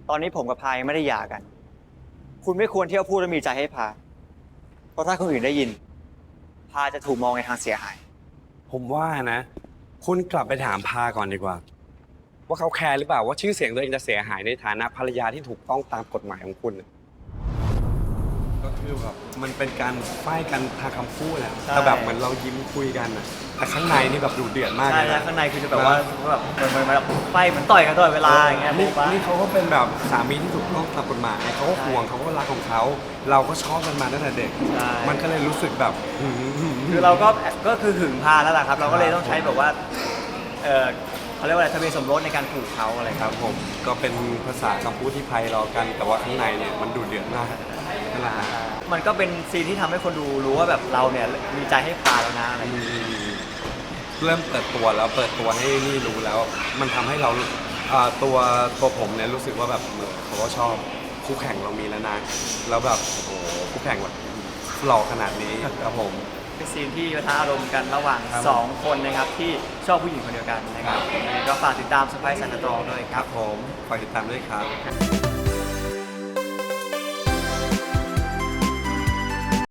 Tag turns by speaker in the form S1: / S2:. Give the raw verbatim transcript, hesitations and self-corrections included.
S1: ตอนนี้ผมกับพายังไม่ได้หย่ากัน คุณไม่ควรเที่ยวพูดและมีใจให้พา เพราะถ้าคนอื่นได้ยิน พาจะถูกมองในทางเสียหาย
S2: ผมว่านะ คุณกลับไปถามพาก่อนดีกว่า ว่าเขาแคร์หรือเปล่าว่าชื่อเสียงตัวเองจะเสียหายในฐานะภรรยาที่ถูกต้องตามกฎหมายของคุณน่ะก็คือแบบมันเป็นการไฟกันทางคำพูดแหละ
S1: ใช่
S2: แต่แบบเหมือนเรายิ้มคุยกันน่ะแต่ข้างในนี่แบบดูเดือดมาก
S1: ใช่
S2: เลย
S1: แล้ว
S2: นะ
S1: ข้างในคือจะแบบว่าสมมติแบบเหมือนเหมือนแบบไฟมันต่อยกันตลอดเวลาอย่างเงี้ย
S2: นี่
S1: ผมว่า
S2: นี่เขาก็เป็นแบบสามีที่ถูกต้องตามกฎหมายเขาก็ห่วงเขาก็รักของเขา เราก็ชอบกันมาตั้งแต่เด็ก
S1: ใช่
S2: มันก็เลยรู้สึกแบบหืม
S1: คือเราก็ก็คือหึงพาแล้วล่ะครับ เราก็เลยต้องใช้แบบว่า เออเขาเรียกว่าอะไรทะเบียนสมรสในการผูกเขาอะไรค
S2: ครับ รับผมก็เป็นภาษาคำพูดที่ไพเราะกัน แต่ว่าข้างในเนี่ยมันดูเดือดมากนั่นแหละฮะ
S1: มันก็เป็นซีนที่ทำให้คนดูรู้ว่าแบบเราเนี่ยมีใจให้พาแล้วนะอะไรอย่างเงี้ย
S2: เริ่มเปิดตัวแล้วเปิดตัวให้นี่รู้แล้ว มันทำให้เราอ่าตัวตัวผมเนี่ยรู้สึกว่าแบบเขาก็ชอบคู่แข่งเรามีแล้วนะแล้วแบบโอ้โหคู่แข่งแบบหล่อขนาดนี้ครับผม
S1: เป็นซีนที่ปะทะอารมณ์กันระหว่าง
S2: ครับ
S1: สองคนนะครับที่ชอบผู้หญิงคนเดียวกันนะครับยังไงก็ฝากติดตามสไปซ์ซันตรองด้วยค
S2: ค
S1: รั
S2: รับ บผมฝากติดตามด้วยครับ